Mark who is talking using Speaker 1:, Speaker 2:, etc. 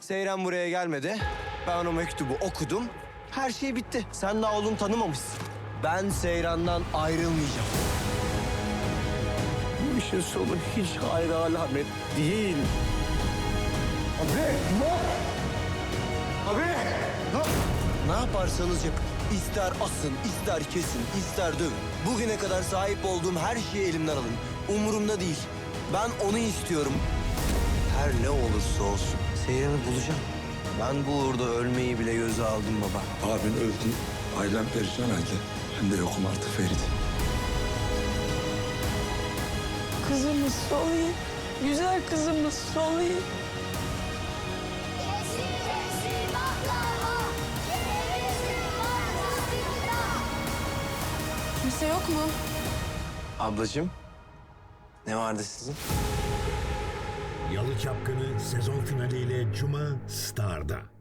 Speaker 1: Seyran buraya gelmedi. Ben o mektubu okudum. Her şey bitti. Sen daha oğlum tanımamışsın. Ben Seyran'dan ayrılmayacağım.
Speaker 2: Bu işin sonu hiç hayra alamet değil.
Speaker 1: Ne yaparsanız yapın. İster asın, ister kesin, ister dövün. Bugüne kadar sahip olduğum her şeyi elimden alın. Umurumda değil. Ben onu istiyorum. Her ne olursa olsun Seyran'ı bulacağım. Ben bu uğurda ölmeyi bile göze aldım baba.
Speaker 3: Abin öldü. Ailem perişan halde. Ben de yokum artık Ferit.
Speaker 4: Kızımız Soli, güzel kızımız Soli.
Speaker 5: Yeşil yeşil baklava, kerevizli markasında.
Speaker 4: Kimse yok mu?
Speaker 1: Ablacığım, ne vardı sizin?
Speaker 6: Yalı Çapkını sezon finaliyle Cuma Star'da.